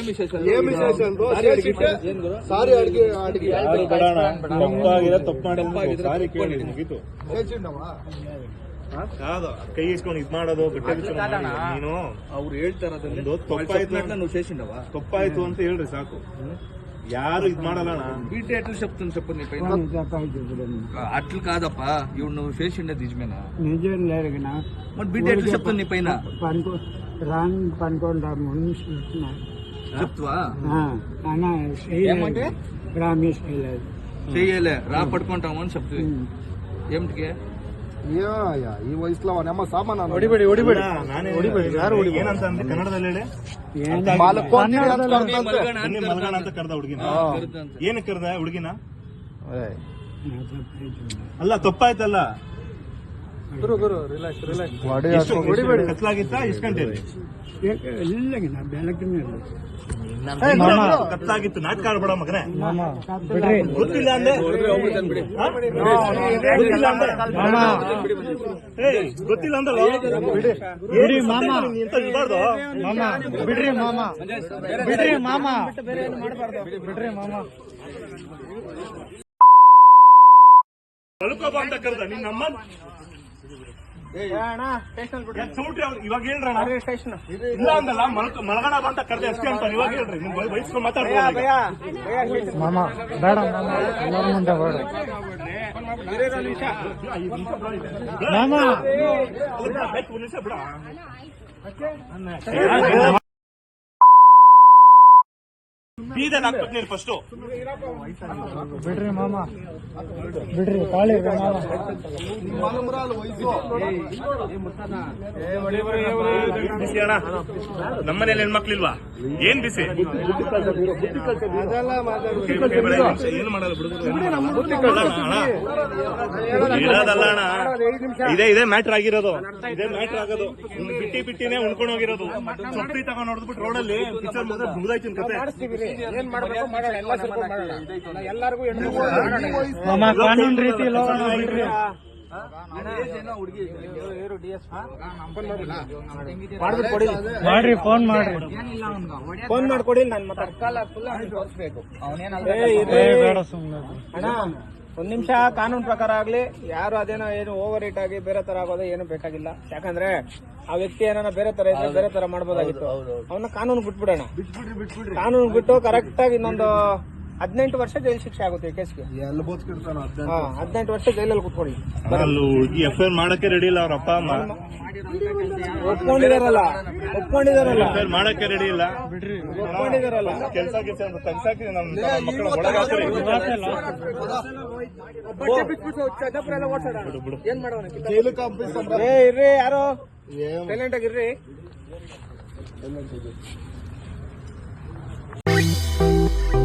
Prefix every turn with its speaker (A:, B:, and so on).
A: ಸಾರಿ ಅಡಿಗೆ
B: ತಪ್ಪು ಮಾಡಿದ್ರೆ ಮುಗೀತು. ಕೈ ಇಸ್ಕೊಂಡು ಇದ್ ಮಾಡೋದು ಬಟ್ಟೆ ನೀನು
C: ಅವ್ರು ಹೇಳ್ತಾರ
B: ತಪ್ಪಾಯ್ತು ಅಂತ ಹೇಳ್ರಿ ಸಾಕು. యారు ఇది మాడాలనా
C: బీట్ ఎట్లా చెప్తుంది చెప్పు నీ పైన అట్లా కాదప్పా ఇవి నువ్వు చేసిండే నిజమేనా
D: నిజం లేరుగా
C: మరి బీట్ ఎట్లా చెప్తుంది నీ పైన
D: పనుకోండి
C: చెప్తావా
D: ఏమంటే రామేష్
C: చెయ్యలే రా పడుకుంటామని చెప్తుంది ఏమిటికి
A: ಈ ವಯಸ್ಸಲ್ಲ ನಮ್ಮ ಸಾಮಾನು
B: ಹೊಡಿಬೇಡಿ ಯಾರು ಏನಂತ ಅಂದ್ರೆ ಕನ್ನಡದಲ್ಲಿ ಹೇಳಿ ಮಲ್ಗಣ ಅಂತ ಕರ್ದ ಹುಡುಗಿನ ಏನಕ್ಕೆ ಕರ್ದ ಹುಡುಗಿನ ಅಲ್ಲ ತಪ್ಪಾಯ್ತಲ್ಲ ಕತ್ಲಾಗಿತ್ತ ಎಷ್ಟು ಗಂಟೆ ಕತ್ಲಾಗಿತ್ತು ನಾಟಕ ಆಡ್ಬೇಡ ಮಗನೇ ಗೊತ್ತಿಲ್ಲ ಅಂದೆ ಗೊತ್ತಿಲ್ಲ ಅಂದಲ್ಲ
D: ಬಿಡ್ರಿ ಮಾಮ
B: ಬಿಡ್ರಿ ಮಾಮ
D: ಬಿಡ್ರಿ ಮಾಮ ಬಿಡ್ರಿ ಮಾಮ
B: ಮಲ್ಕೋಬ ಅಂತ ಕರ್ದ ನಿನ್ನ ಅಮ್ಮ ಇವಾಗ ಹೇಳ್ರಣ ಇಲ್ಲ ಅಂದಲ್ಲ ಮಲಗಣ ಅಂತ ಕರ್ದೆ ಅಷ್ಟೇ ಅಂತ ಇವಾಗ ಹೇಳ್ರಿ ನಿಮ್ ವಯಸ್ಸು ಮಾತಾಡ್ಬೋದು
D: ಮಾಮ ಬೇಡ ಎಲ್ಲರ ಮುಂದೆ ಬೇಡ ಮಾಮ
B: ನಿಮಿಷ ಬಿಡ ಬೀದನ್ ಹಾಕ್ಬೇಕು ನೀನು ಫಸ್ಟ್
D: ಬಿಡ್ರಿ ಮಾಮ ಬಿಡ್ರಿ ಕಾಳಿ
B: ಬಿಸಿ ಅಣ್ಣ ನಮ್ಮನೇಲಿ ಹೆಣ್ಮಕ್ಳಿಲ್ವಾ ಏನ್ ಬಿಸಿ ಏನು ಮಾಡಲ್ಲ ಇರೋದಲ್ಲ ಅಣ್ಣ ಇದೇ ಮ್ಯಾಟ್ರ್ ಆಗಿರೋದು ಇದೇ ಮ್ಯಾಟ್ರ್ ಆಗೋದು ಬಿಟ್ಟಿನೇ ಉಣ್ಕೊಂಡು ಹೋಗಿರೋದು ಚಪ್ಪಲಿ ತಗೊಂಡ್ ನೋಡ್ಬಿಟ್ಟು ರೋಡಲ್ಲಿ ಪಿಕ್ಚರ್ ಮುಗ್ದಾಯ್ತಿನ ಕತೆ
D: ಏನ್ ಮಾಡ್ಬೇಕು ಮಾಡೋಣ ಎಲ್ಲರಿಗೂ ಕಾನೂನು ರೀತಿ ಮಾಡ್ರಿ ಫೋನ್ ಮಾಡ್ಕೊಡಿ ನಾನು ಬೇಡ ಸುಮ್ಮನೆ ಅಣ್ಣ ಒಂದ್ ನಿಮಿಷ ಕಾನೂನು ಪ್ರಕಾರ ಆಗ್ಲಿ ಯಾರು ಅದೇನೋ ಏನು ಓವರ್ ಹೀಟ್ ಆಗಿ ಬೇರೆ ತರ ಆಗೋದು ಏನು ಬೇಕಾಗಿಲ್ಲ. ಯಾಕಂದ್ರೆ ಆ ವ್ಯಕ್ತಿ ಏನಾರ ಬೇರೆ ತರ ಇದ್ರೆ ಬೇರೆ ತರ ಮಾಡ್ಬೋದಾಗಿತ್ತು. ಅವನ್ನ ಕಾನೂನು ಬಿಟ್ಬಿಡೋಣ. ಕಾನೂನು ಬಿಟ್ಟು ಕರೆಕ್ಟ್ ಆಗಿ ಇನ್ನೊಂದು 18 ವರ್ಷ ಜೈಲು ಶಿಕ್ಷೆ ಆಗುತ್ತೆ ಈ ಕೇಸ್ಗೆ. 18 ವರ್ಷ ಜೈಲಲ್ಲಿ ಕುತ್ಕೊಳ್ಳಿ.
B: ಎಫ್ಐಆರ್ ಮಾಡಕ್ಕೆ ರೆಡಿ ಇಲ್ಲ ಅವ್ರ ಅಪ್ಪ ಅಮ್ಮ
D: ಒಪ್ಕೊಂಡಿದಾರಲ್ಲ
B: ಮಾಡಕ್ಕೆ ರೆಡಿ ಇಲ್ಲ
D: ಒಪ್ಕೊಂಡಿದಾರಲ್ಲ
B: ಕೆಲಸ ಕನ್ಸಾಕಿ ನಮ್ಮ ಮಕ್ಕಳ ಒಳಗಾಕ್ರಿ
D: ಏನ್ ಮಾಡೋಣ ಇರ್ರಿ ಯಾರು ಸೈಲೆಂಟ್ ಆಗಿರ್ರಿ.